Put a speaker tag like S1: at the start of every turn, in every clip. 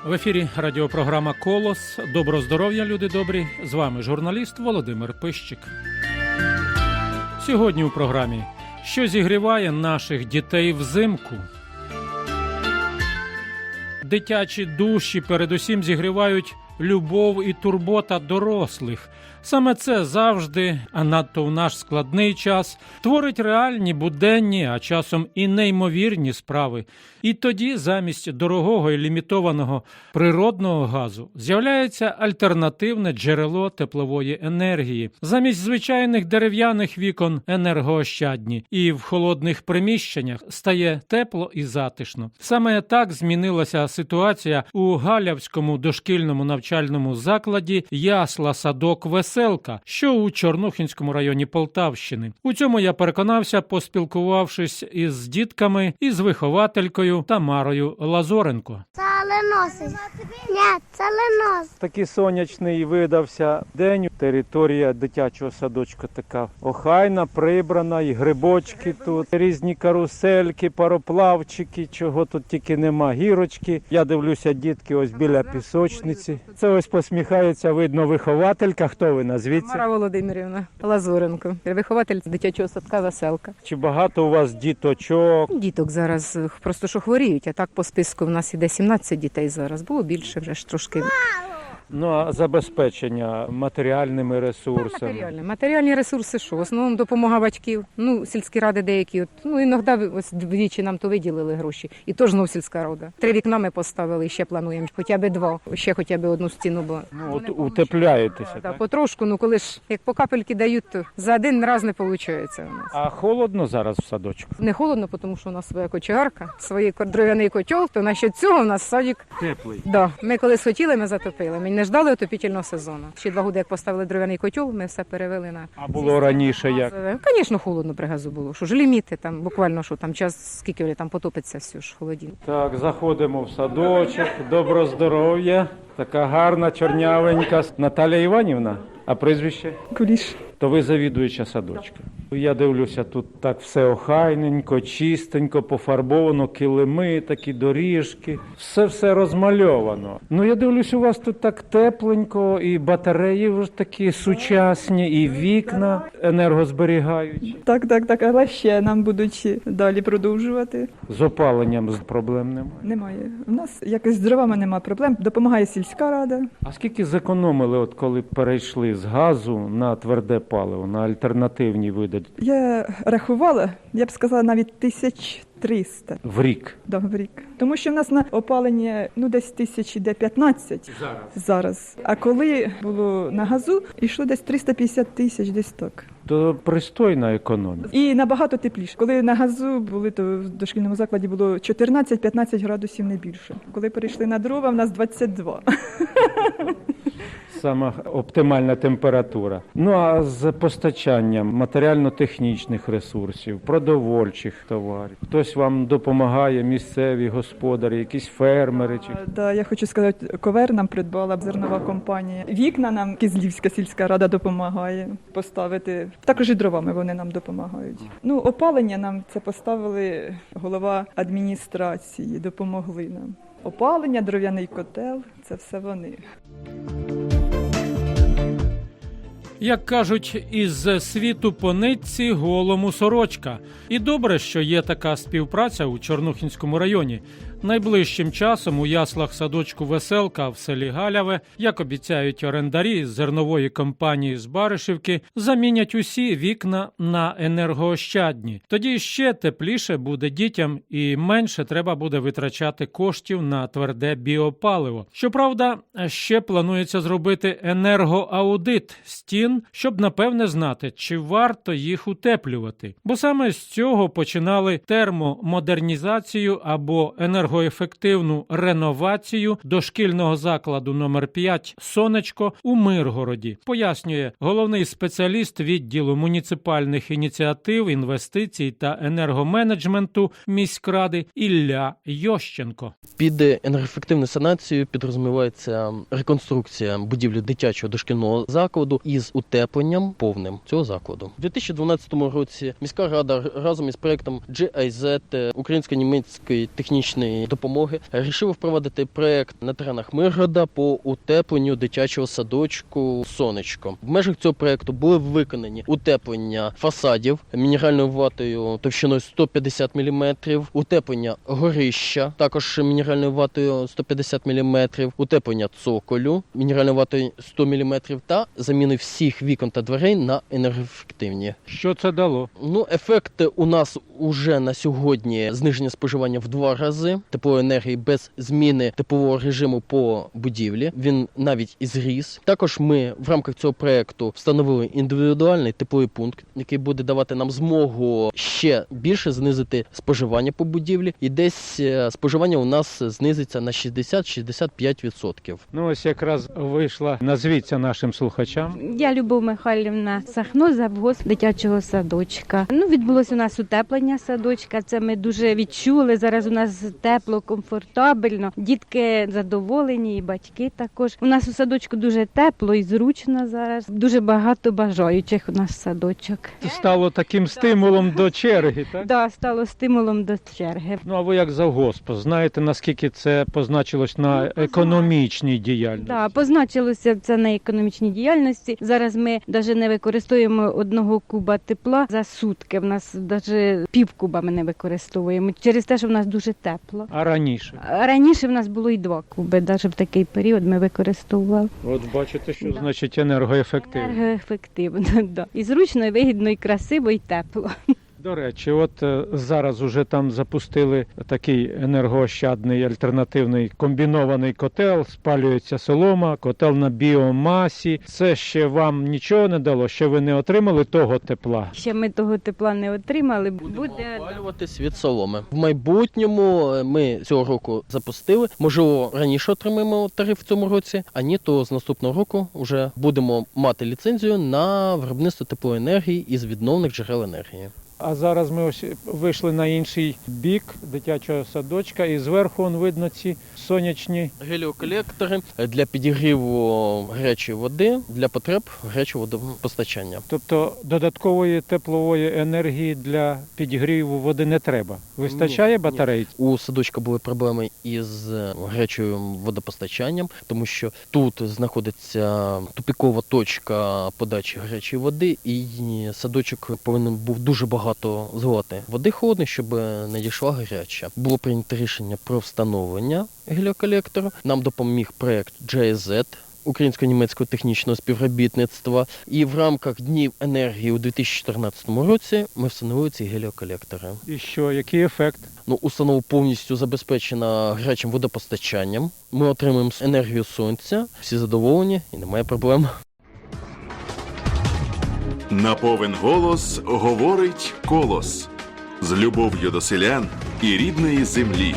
S1: В ефірі радіопрограма «Колос». Доброго здоров'я, люди добрі! З вами журналіст Володимир Пищик. Сьогодні у програмі «Що зігріває наших дітей взимку?». Дитячі душі передусім зігрівають любов і турбота дорослих. Саме це завжди, а надто в наш складний час, творить реальні, буденні, а часом і неймовірні справи. І тоді замість дорогого і лімітованого природного газу з'являється альтернативне джерело теплової енергії. Замість звичайних дерев'яних вікон енергоощадні. І в холодних приміщеннях стає тепло і затишно. Саме так змінилася ситуація у Галявському дошкільному навчальному закладі «Ясла-садок Веселка», що у Чорнухинському районі Полтавщини. У цьому я переконався, поспілкувавшись із дітками і з вихователькою Тамарою Лазоренко.
S2: Це леносить. Ні, це ленос.
S1: Такий сонячний видався день. Територія дитячого садочка така охайна, прибрана, і грибочки тут, різні карусельки, пароплавчики, чого тут тільки нема, гірочки. Я дивлюся, дітки ось біля пісочниці. Це ось посміхається, видно, вихователька. Хто ви, назвіться?
S3: Тамара Володимирівна Лазоренко, вихователь дитячого садка «Веселка».
S1: Чи багато у вас діточок?
S3: Діток зараз просто що хворіють, а так по списку в нас іде 17 дітей зараз. Було більше вже ж трошки.
S1: Ну, а забезпечення матеріальними ресурсами?
S3: Матеріальні ресурси що? В основному допомога батьків. Ну, сільські ради деякі. Іноді ось двічі нам то виділили гроші. І то ж знов сільська рада. 3 вікна ми поставили, і ще плануємо. Хоча б 2. Ще хоча б одну стіну. Бо
S1: от утепляєтеся, так?
S3: Потрошку, коли ж, як по капельки дають, то за один раз не виходить у нас.
S1: А холодно зараз в садочку?
S3: Не холодно, тому що у нас своя кочегарка, свій дров'яний котел, то насчет цього у нас садик
S1: теплий.
S3: Да. Ми колись хотіли, ми затопили. Ми не ждали отопітельного сезону. Ще 2 роки, як поставили дров'яний котел, ми все перевели на...
S1: А було раніше як?
S3: Звісно, холодно при газу було. Що ж ліміти, там буквально, що там час, скільки там потопиться все ж холодінь.
S1: Так, заходимо в садочок. Доброго здоров'я. Така гарна, чорнявенька. Наталя Іванівна, а прізвище?
S4: Куліш.
S1: То ви завідуюча садочка. Я дивлюся, тут так все охайненько, чистенько, пофарбовано, килими, такі доріжки. Все розмальовано. Ну, я дивлюся, у вас тут так тепленько, і батареї вже такі сучасні, і вікна енергозберігаючі.
S4: Так, але ще нам будуть далі продовжувати.
S1: З опаленням проблем немає?
S4: Немає. У нас якось з дровами немає проблем. Допомагає сільська рада.
S1: А скільки зекономили, от коли перейшли з газу на тверде паливо, на альтернативні види?
S4: Я рахувала, я б сказала, навіть 1300.
S1: В рік?
S4: Да, в рік. Тому що в нас на опалення, десь 1500 зараз. А коли було на газу, йшло десь 350 тисяч, десь так.
S1: То пристойна економія.
S4: І набагато тепліше. Коли на газу були, то в дошкільному закладі було 14-15 градусів, не більше. Коли перейшли на дрова, в нас 22.
S1: Сама оптимальна температура. Ну, а з постачанням матеріально-технічних ресурсів, продовольчих товарів. Хтось вам допомагає, місцеві господарі, якісь фермери?
S4: Да, я хочу сказати, ковер нам придбала зернова компанія. Вікна нам Кизлівська сільська рада допомагає поставити. Також і дровами вони нам допомагають. Опалення нам це поставили голова адміністрації, допомогли нам. Опалення, дров'яний котел – це все вони.
S1: Як кажуть, із світу по нитці голому сорочка. І добре, що є така співпраця у Чорнухинському районі. Найближчим часом у яслах садочку «Веселка» в селі Галяве, як обіцяють орендарі з зернової компанії з Баришівки, замінять усі вікна на енергоощадні. Тоді ще тепліше буде дітям і менше треба буде витрачати коштів на тверде біопаливо. Щоправда, ще планується зробити енергоаудит стін, щоб напевне знати, чи варто їх утеплювати. Бо саме з цього починали термомодернізацію або енергоефективну реновацію дошкільного закладу номер 5 «Сонечко» у Миргороді, пояснює головний спеціаліст відділу муніципальних ініціатив, інвестицій та енергоменеджменту міськради Ілля Йощенко.
S5: Під енергоефективну санацію підрозумівається реконструкція будівлі дитячого дошкільного закладу із утепленням повним цього закладу. У 2012 році міська рада разом із проєктом GIZ Українсько-німецької технічної гуманітарної допомоги рішив впровадити проект на теренах Миргорода по утепленню дитячого садочку «Сонечко». В межах цього проекту були виконані утеплення фасадів мінеральною ватою товщиною 150 мм, утеплення горища, також мінеральною ватою 150 мм, утеплення цоколю мінеральною ватою 100 мм та заміни всіх вікон та дверей на енергоефективні.
S1: Що це дало?
S5: Ефект у нас уже на сьогодні зниження споживання в 2 рази теплової енергії без зміни теплового режиму по будівлі. Він навіть і зріс. Також ми в рамках цього проекту встановили індивідуальний тепловий пункт, який буде давати нам змогу ще більше знизити споживання по будівлі. І десь споживання у нас знизиться на 60-65%.
S1: Ну ось якраз вийшла, назвіться нашим слухачам.
S6: Я Любов Михайлівна Сахно, завгосп дитячого садочка. Відбулося у нас утеплення садочка, це ми дуже відчули. Зараз у нас тепло, комфортабельно, дітки задоволені і батьки також. У нас у садочку дуже тепло і зручно зараз. Дуже багато бажаючих у нас садочок.
S1: Це стало таким стимулом до черги, так?
S6: Так, стало стимулом до черги.
S1: Ну а ви як завгосп, знаєте, наскільки це позначилось на економічній діяльності?
S6: Так, позначилося це на економічній діяльності. Зараз ми навіть не використовуємо 1 куба тепла за сутки. В нас навіть півкуба ми не використовуємо через те, що в нас дуже тепло.
S1: А раніше?
S6: Раніше в нас було і 2 куби, навіть в такий період ми використовували.
S1: От бачите, що
S6: Да.
S1: значить енергоефективно.
S6: Енергоефективно, да. І зручно, і вигідно, і красиво, і тепло.
S1: До речі, от зараз уже там запустили такий енергоощадний альтернативний комбінований котел, спалюється солома, котел на біомасі. Це ще вам нічого не дало? Ще ви не отримали того тепла?
S6: Ще ми того тепла не отримали.
S5: Будемо опалюватись від соломи. В майбутньому ми цього року запустили. Можливо, раніше отримаємо тариф в цьому році, а ні, то з наступного року вже будемо мати ліцензію на виробництво теплової енергії із відновлених джерел енергії.
S1: А зараз ми ось вийшли на інший бік дитячого садочка, і зверху видно ці сонячні.
S5: Геліоколектори для підігріву гарячої води для потреб гарячого водопостачання.
S1: Тобто додаткової теплової енергії для підігріву води не треба. Вистачає
S5: Ні.
S1: батарей?
S5: У садочка були проблеми із гарячим водопостачанням, тому що тут знаходиться тупікова точка подачі гарячої води, і садочок повинен був дуже багато зливати води холодної, щоб не дійшла гаряча. Було прийнято рішення про встановлення геліоколектору. Нам допоміг проект GIZ, Українсько-німецького технічного співробітництва. І в рамках Днів енергії у 2014 році ми встановили ці геліоколектори.
S1: І що, який ефект?
S5: Установа повністю забезпечена гарячим водопостачанням. Ми отримуємо енергію сонця, всі задоволені і немає проблем.
S7: На повен голос говорить Колос. З любов'ю до селян і рідної землі.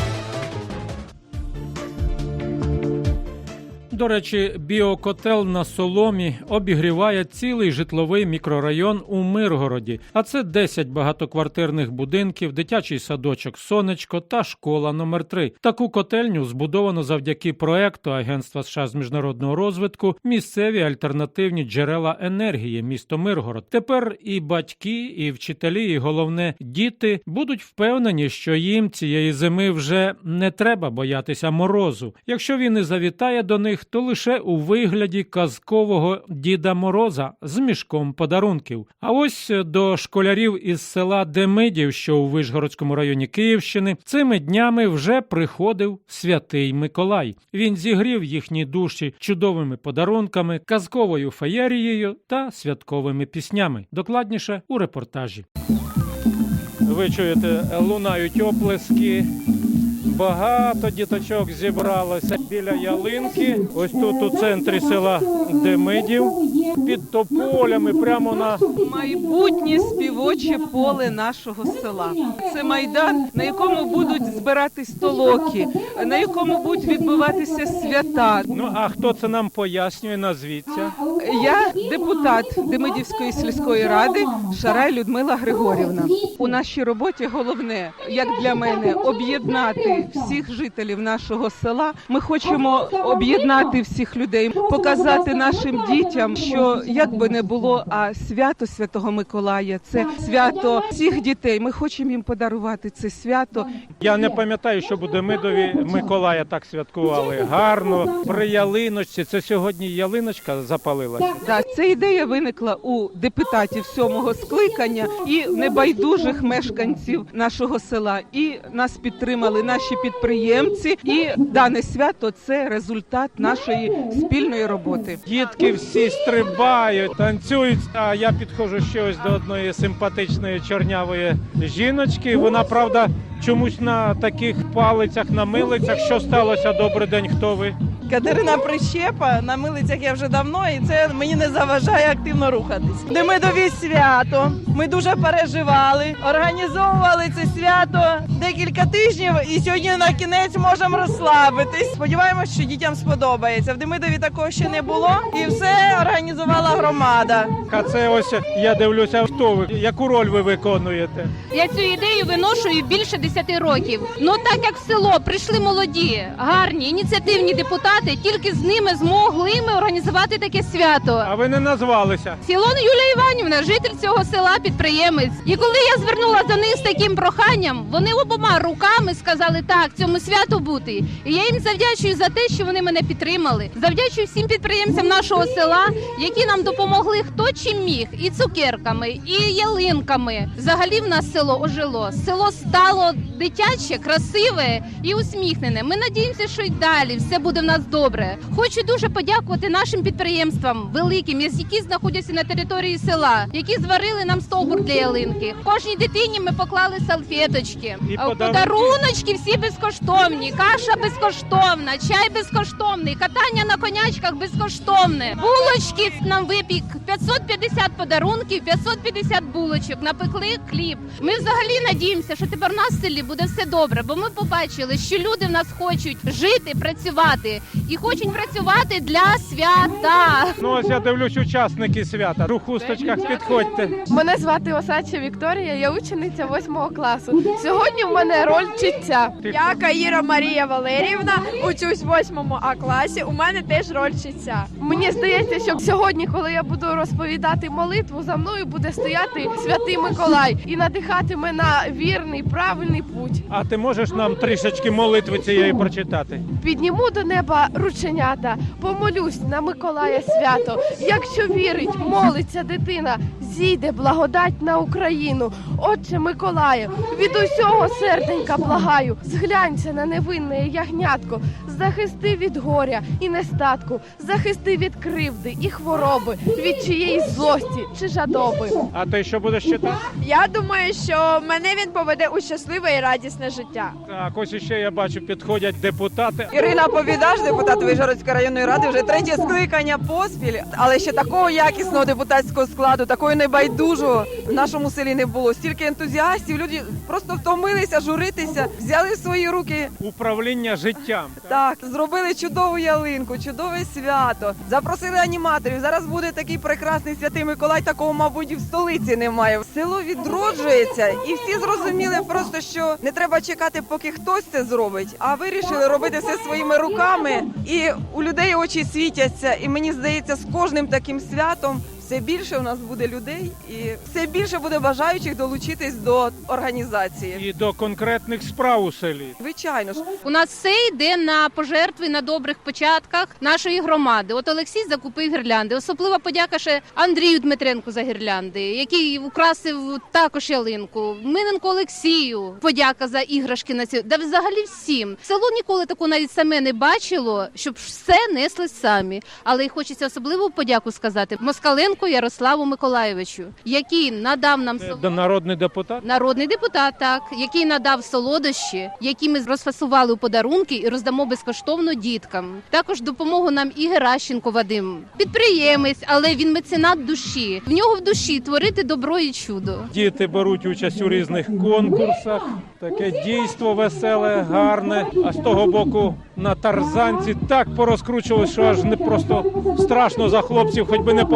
S1: До речі, біокотел на соломі обігріває цілий житловий мікрорайон у Миргороді. А це 10 багатоквартирних будинків, дитячий садочок «Сонечко» та школа номер 3. Таку котельню збудовано завдяки проекту Агентства США з міжнародного розвитку «Місцеві альтернативні джерела енергії. Місто Миргород». Тепер і батьки, і вчителі, і головне діти будуть впевнені, що їм цієї зими вже не треба боятися морозу. Якщо він і завітає до них, то лише у вигляді казкового Діда Мороза з мішком подарунків. А ось до школярів із села Демидів, що у Вишгородському районі Київщини, цими днями вже приходив Святий Миколай. Він зігрів їхні душі чудовими подарунками, казковою феєрією та святковими піснями. Докладніше у репортажі. Ви чуєте, лунають оплески. Багато діточок зібралося біля ялинки. Ось тут у центрі села Демидів, під тополями, прямо на...
S8: Майбутнє співоче поле нашого села. Це майдан, на якому будуть збиратись толоки, на якому будуть відбуватися свята.
S1: Ну, а хто це нам пояснює? Назвіться.
S8: Я депутат Демидівської сільської ради Шарай Людмила Григорівна. У нашій роботі головне, як для мене, об'єднати об'єднати всіх жителів нашого села. Ми хочемо об'єднати всіх людей, показати нашим дітям, що як би не було, а свято Святого Миколая – це свято всіх дітей. Ми хочемо їм подарувати це свято.
S1: Я не пам'ятаю, що у Демидові Миколая так святкували. Гарно, при ялиночці. Це сьогодні ялиночка запалилася.
S8: Да, ця ідея виникла у депутатів 7-го скликання і небайдужих мешканців нашого села. І нас підтримали наші підприємці. І дане свято – це результат нашої спільної роботи.
S1: Дітки всі стрибають, танцюють. А я підходжу ще ось до одної симпатичної чорнявої жіночки. Вона, правда, чомусь на таких палицях, на милицях. Що сталося? Добрий день, хто ви?
S9: Катерина Прищепа, на милицях я вже давно, і це мені не заважає активно рухатись. Демидові свято, ми дуже переживали, організовували це свято декілька тижнів, і сьогодні на кінець можемо розслабитись. Сподіваємось, що дітям сподобається. В Демидові такого ще не було, і все організувала громада.
S1: А це ось, я дивлюся, хто ви, яку роль ви виконуєте?
S10: Я цю ідею виношую більше 10 років. Ну так як в село прийшли молоді, гарні, ініціативні депутати, тільки з ними змогли ми організувати таке свято.
S1: А ви не назвалися?
S10: Сілон Юлія Іванівна, житель цього села, підприємець. І коли я звернула до них з таким проханням, вони обома руками сказали так, цьому святу бути. І я їм завдячую за те, що вони мене підтримали. Завдячую всім підприємцям нашого села, які нам допомогли хто чим міг. І цукерками, і ялинками. Взагалі в нас село ожило. Село стало дитяче, красиве і усміхнене. Ми надіємося, що й далі все буде в нас добре. Хочу дуже подякувати нашим підприємствам великим, які знаходяться на території села, які зварили нам стовбур для ялинки. Кожній дитині ми поклали салфеточки.
S1: І
S10: Подаруночки всі безкоштовні, каша безкоштовна, чай безкоштовний, катання на конячках безкоштовне. Булочки нам випік, 550 подарунків, 550 булочок, напекли хліб. Ми взагалі надіємося, що тепер у нас в селі буде все добре, бо ми побачили, що люди в нас хочуть жити, працювати. І хочуть працювати для свята.
S1: Ну ось я дивлюсь, учасники свята. У хусточках підходьте.
S11: Мене звати Осадча Вікторія, я учениця 8 класу. Сьогодні в мене роль читця. Я Каїра Марія Валеріївна, учусь в 8 А класі, у мене теж роль читця. Мені здається, що сьогодні, коли я буду розповідати молитву, за мною буде стояти Святий Миколай і надихатиме на вірний, правильний путь.
S1: А ти можеш нам трішечки молитви цієї прочитати?
S11: Підніму до неба рученята, помолюсь на Миколая свято. Якщо вірить, молиться дитина, зійде благодать на Україну. Отче Миколаю, від усього серденька благаю, зглянься на невинне ягнятко, захисти від горя і нестатку, захисти від кривди і хвороби, від чиєїсь злості чи жадоби.
S1: А ти що будеш читати?
S11: Я думаю, що мене він поведе у щасливе і радісне життя.
S1: Так, ось іще я бачу, підходять депутати.
S9: Ірина Повідаш, депутат Вишгородської районної ради, вже 3-є скликання поспіль, але ще такого якісного депутатського складу, такої небайдужого в нашому селі не було. Стільки ентузіастів, люди просто втомилися журитися, взяли в свої руки.
S1: Управління життям.
S9: Так, зробили чудову ялинку, чудове свято, запросили аніматорів. Зараз буде такий прекрасний Святий Миколай, такого, мабуть, і в столиці немає. Село відроджується, і всі зрозуміли просто, що не треба чекати, поки хтось це зробить, а вирішили робити все своїми руками. І у людей очі світяться, і мені здається, з кожним таким святом все більше у нас буде людей і все більше буде бажаючих долучитись до організації.
S1: І до конкретних справ у селі.
S9: Звичайно ж.
S10: У нас все йде на пожертви, на добрих початках нашої громади. От Олексій закупив гірлянди. Особлива подяка ще Андрію Дмитренку за гірлянди, який украсив також ялинку. Миненко Олексію подяка за іграшки на цю. Да взагалі всім. Село ніколи такого навіть саме не бачило, щоб все несли самі. Але й хочеться особливу подяку сказати Москаленку Ярославу Миколайовичу, який надав нам
S1: Народний депутат?
S10: Народний депутат, так, який надав солодощі, які ми розфасували у подарунки і роздамо безкоштовно діткам. Також допомогу нам і Геращенко Вадим. Підприємець, але він меценат душі. В нього в душі творити добро і чудо.
S1: Діти беруть участь у різних конкурсах. Таке дійство веселе, гарне. А з того боку на тарзанці так порозкручувалось, що аж не просто страшно за хлопців, хоч би не попадали.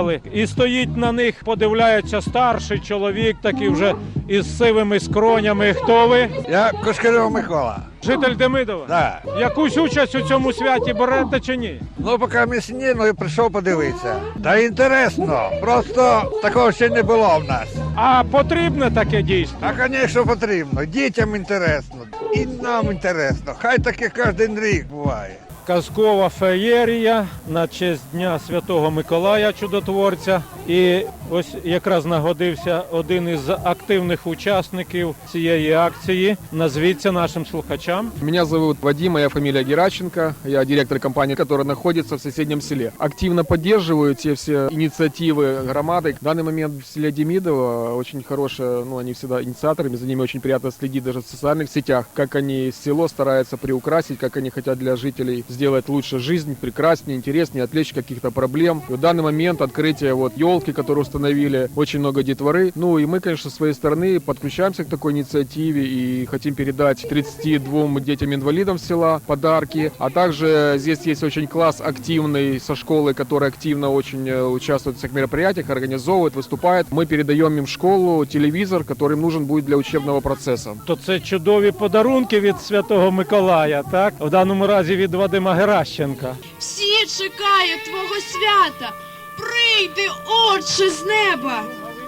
S1: приїхали, і стоїть на них, подивляється старший чоловік, такий вже із сивими скронями. Хто ви?
S12: Я Кошкарьов Микола.
S1: Житель Демидова?
S12: Да.
S1: Якусь участь у цьому святі берете чи ні?
S12: Ну, поки місні, ну і прийшов подивитися. Та інтересно, просто такого ще не було в нас.
S1: А потрібне таке дійство?
S12: А, звісно, потрібно. Дітям інтересно, і нам інтересно. Хай таке кожен рік буває.
S1: Казкова феєрія на честь Дня Святого Миколая Чудотворця. І ось якраз нагодився один із активних учасників цієї акції. Назвіться нашим слухачам.
S13: Меня зовут Вадим, моя фамилия Геращенко. Я директор компании, которая находится в соседнем селе. Активно поддерживаю те все инициативы громады. В данный момент в селе Демидово очень хорошие, они всегда инициаторами, за ними очень приятно следить даже в социальных сетях, как они село стараются приукрасить, как они хотят для жителей сделать лучше жизнь, прекраснее, интереснее, отвлечь каких-то проблем. И в данный момент открытие елки, которую установили, очень много детворы. Ну и мы, конечно, с своей стороны подключаемся к такой инициативе и хотим передать 32 детям-инвалидам села подарки. А также здесь есть очень класс активный со школы, который активно очень участвует в всех мероприятиях, организовывает, выступает. Мы передаем им в школу телевизор, который им нужен будет для учебного процесса.
S1: То це чудові подарунки від Святого Миколая, так? В даному разі від Вадима Геращенка.
S11: Всі чекають твого свята. Прийди, Отче з неба.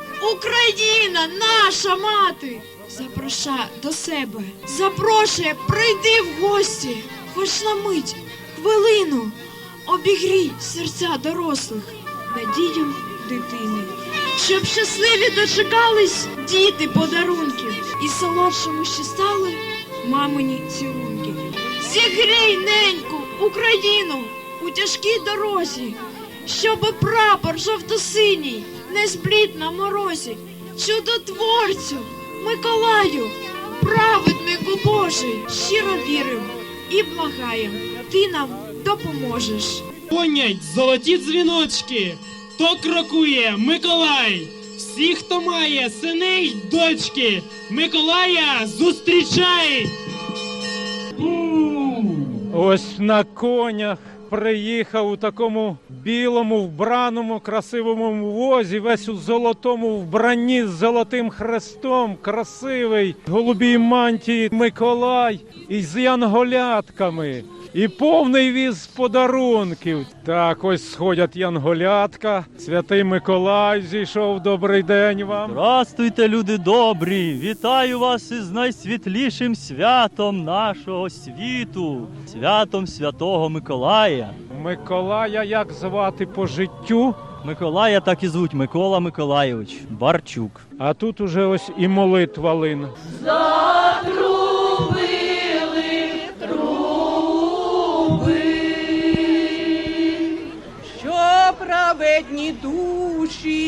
S11: Україна, наша мати, запрошує до себе. Запрошує, прийди в гості. Хоч на мить, хвилину, обігрій серця дорослих надієм дитини. Щоб щасливі дочекались діти подарунків і солодшому ще стали мамині цілунки. Зігрій, неньку, Україну у тяжкій дорозі, щоби прапор жовто-синій не зблід на морозі. Чудотворцю, Миколаю, праведнику Божий, щиро вірим і благаєм, ти нам допоможеш.
S14: Гонять золоті дзвіночки, то крокує Миколай. Всі, хто має сини й дочки, Миколая зустрічай!
S1: Ось на конях приїхав у такому білому вбраному красивому возі, весь у золотому вбранні з золотим хрестом, красивий, в голубій мантії Миколай із янголятками. І повний віз подарунків. Так, ось сходять янголятка. Святий Миколай зійшов. Добрий день вам.
S15: Здравствуйте, люди добрі! Вітаю вас із найсвітлішим святом нашого світу. Святом Святого Миколая.
S1: Миколая як звати по життю?
S15: Миколая так і звуть, Микола Миколайович Барчук.
S1: А тут уже ось і молитва лине.
S9: Праведні душі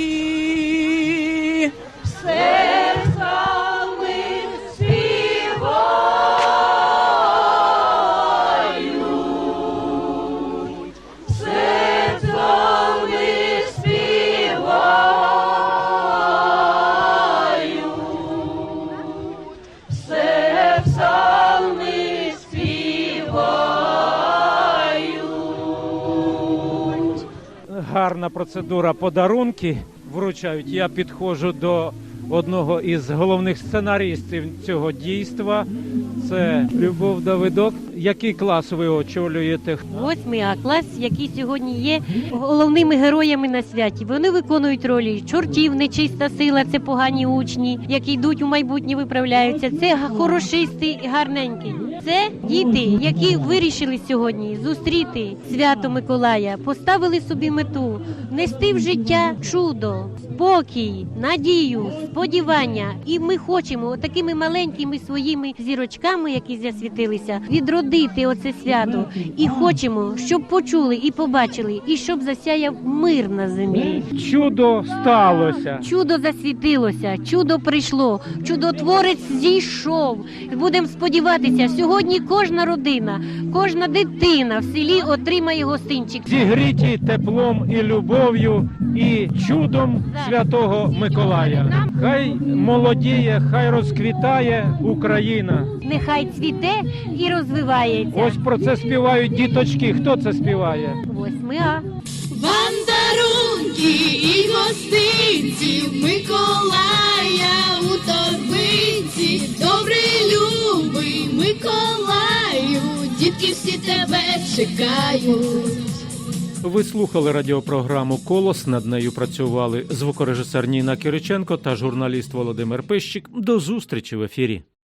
S11: Серцями співають, серцями співають, серцями співають.
S1: Гарна процедура, подарунки вручають. Я підходжу до одного із головних сценарістів цього дійства. Це Любов Давидок. Який клас ви очолюєте?
S16: 8 А клас, який сьогодні є головними героями на святі. Вони виконують ролі чортів, нечиста сила, це погані учні, які йдуть у майбутнє, виправляються. Це хорошисти, гарненькі. Це діти, які вирішили сьогодні зустріти свято Миколая, поставили собі мету нести в життя чудо, спокій, надію, сподівання. І ми хочемо такими маленькими своїми зірочками, які засвітилися, відродити оце свято. І хочемо, щоб почули і побачили, і щоб засяяв мир на землі.
S1: Чудо сталося.
S16: Чудо засвітилося, чудо прийшло, чудотворець зійшов. Будемо сподіватися, сьогодні кожна родина, кожна дитина в селі отримає гостинчик.
S1: Зігріті теплом і любов'ю, і чудом Святого Миколая. Хай молодіє, хай розквітає Україна.
S16: Нехай цвіте і розвивається.
S1: Ось про це співають діточки. Хто це співає?
S16: 8 А.
S11: Вам дарунки
S17: і гостинці Миколая у торбинці. Добрий, любий Миколаю, дітки всі тебе чекають.
S1: Ви слухали радіопрограму «Колос». Над нею працювали звукорежисер Ніна Кириченко та журналіст Володимир Пищик. До зустрічі в ефірі.